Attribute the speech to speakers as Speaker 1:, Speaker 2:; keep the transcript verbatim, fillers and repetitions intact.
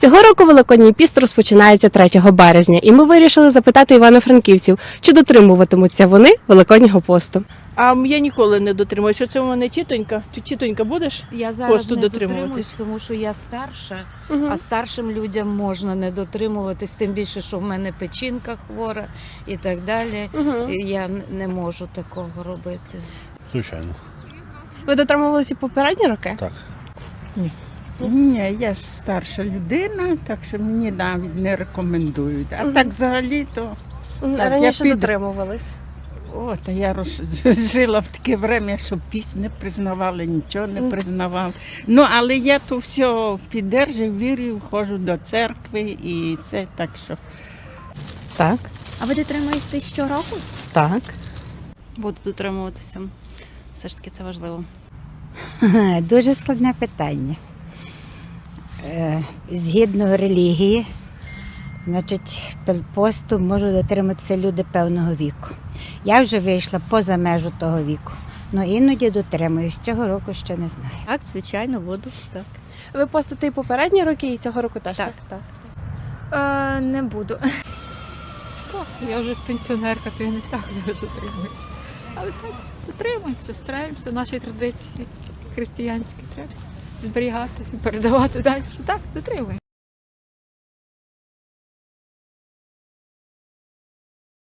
Speaker 1: Цього року Великодній піст розпочинається третього березня, і ми вирішили запитати івано-франківців, чи дотримуватимуться вони Великоднього посту.
Speaker 2: А я ніколи не дотримуюся. Оце у мене тітонька. Ти, тітонька, будеш?
Speaker 3: Я зараз
Speaker 2: Посту
Speaker 3: не
Speaker 2: дотримуватись?
Speaker 3: дотримуюсь, тому що я старша,
Speaker 1: Угу.
Speaker 3: а старшим людям можна не дотримуватись, тим більше, що в мене печінка хвора і так далі.
Speaker 1: Угу.
Speaker 3: І я не можу такого робити.
Speaker 4: Звичайно,
Speaker 1: Ви дотримувалися попередні роки?
Speaker 4: так.
Speaker 5: Ні, я ж старша людина, так що мені навіть не рекомендують. А
Speaker 1: Мгм.
Speaker 5: так взагалі то.
Speaker 1: Мгм.
Speaker 5: Так,
Speaker 1: Раніше
Speaker 5: я піду.
Speaker 1: дотримувались.
Speaker 5: О, та я роз... жила в таке время, що пісню не признавали, нічого не
Speaker 1: Мгм.
Speaker 5: признавав. Ну, але я то все піддержую, вірю, ходжу до церкви і це так що.
Speaker 6: Так,
Speaker 7: А ви дотримуєтесь щороку?
Speaker 6: так.
Speaker 8: Буду дотримуватися. Все ж таки це важливо.
Speaker 6: Дуже складне питання. Е, Згідно релігії, значить, посту можуть дотриматися люди певного віку. Я вже вийшла поза межу того віку. Ну іноді дотримуюсь. Цього року ще не знаю.
Speaker 7: Так, звичайно, буду. Так.
Speaker 1: Ви постите і попередні роки, і цього року теж, так?
Speaker 7: Так, так. Е, не буду.
Speaker 9: Я вже пенсіонерка, то я не так дуже дотримуюся. Але так, дотримуємося, стараємося, наші традиції християнські треба зберігати і передавати далі. Так, дотримуємося.